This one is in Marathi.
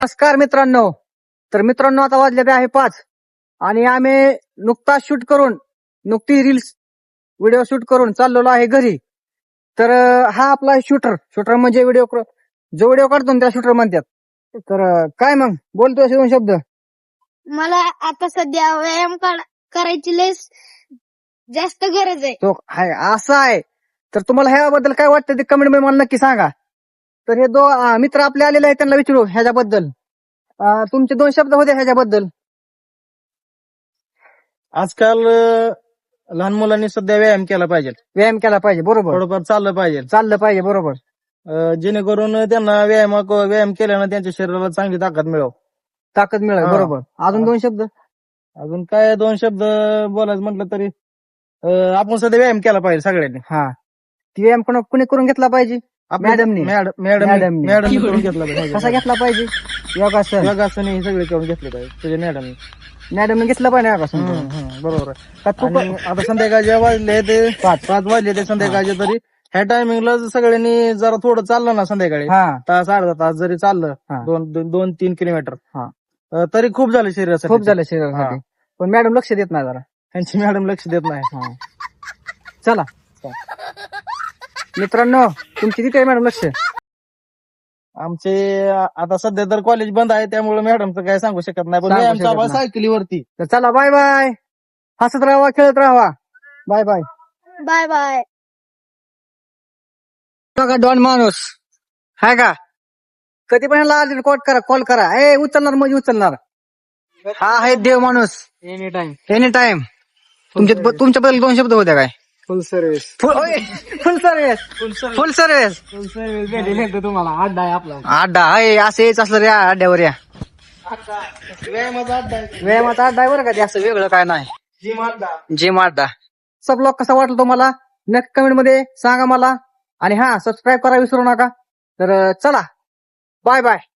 नमस्कार मित्रांनो. तर मित्रांनो, आता वाजलेले आहे 5 आणि आम्ही नुकताच शूट करून नुकती रील्स व्हिडिओ शूट करून चाललेलो आहे घरी. तर हा आपला शूटर म्हणजे जो व्हिडिओ काढतो ना त्याला शूटर म्हणतात. तर काय मग बोलतोय असे 2 शब्द. मला आता सध्या व्यायाम करायची लय जास्त गरज आहे. तो हाय असं आहे. तर तुम्हाला ह्याबद्दल काय वाटतं ते कमेंट मध्ये मला नक्की सांगा. तर हे मित्र आपले आलेले आहेत, त्यांना विचारू ह्याच्याबद्दल. तुमचे 2 शब्द होते ह्याच्याबद्दल. आजकाल लहान मुलांनी सध्या व्यायाम केला पाहिजे, व्यायाम केला पाहिजे, बरोबर. थोडंफार चाललं पाहिजे, चाललं पाहिजे, बरोबर. जेणेकरून त्यांना व्यायाम केल्यानं त्यांच्या शरीराला चांगली ताकद मिळव. ताकद मिळेल, हा. बरोबर. अजून 2 शब्द. अजून काय 2 शब्द बोलायचं म्हटलं तरी आपण सध्या व्यायाम केला पाहिजे सगळ्यांनी. हा, ती व्यायाम कुणी करून घेतला पाहिजे. मॅडमनी. मॅडम करून घेतला पाहिजे. कसा घेतला पाहिजे. योगासन योगासन हे सगळे करून घेतले पाहिजे तुझ्या मॅडमने घेतलं पाहिजे योगासन. बरोबर आहे. का तू आणि आता संध्याकाळचे वाजले ते 5 वाजले ते संध्याकाळचे, तरी ह्या टायमिंगला सगळ्यांनी जरा थोडं चाललं ना संध्याकाळी, हा तास अर्धा तास जरी चाललं, हा. 2-3 किलोमीटर, हा. तरी खूप झालं शरीरासाठी. खूप झालं शरीरासाठी. पण मॅडम लक्ष देत नाही जरा. त्यांची मॅडम लक्ष देत नाही. चला मित्रांनो, तुमची तिथे मॅडम लक्ष. आमचे आता सध्या तर कॉलेज बंद आहे, त्यामुळे मॅडमचं काय सांगू शकत नाही, पण सांगू व्यायाम शकत चालू आहे नाही. सायकलीवरती. तर चला, बाय बाय. हसत राहा, खेळत राहा. Bye bye. Bye bye. बघा डॉन माणूस हाय का, कधी पण कॉल करा. उचलणार म्हणजे उचलणार. हा आहे देव माणूस. Any time. तुमच्याबद्दल 2 शब्द होत्या काय. Full service. Full service. तुम्हाला अड्डा आहे आपला. अड्डा आहे, असं यायचं असलं रे अड्ड्यावर या. व्यायामाचा अड्डा आहे. व्यायामाचा अड्डा आहे बरं का, ते असं वेगळं काय नाही. जिम अड्डा. सब ब्लॉग कसा वाटला तुम्हाला नक्की कमेंट मध्ये सांगा मला. आणि हा, सबस्क्राईब करा विसरू नका. तर चला, बाय बाय.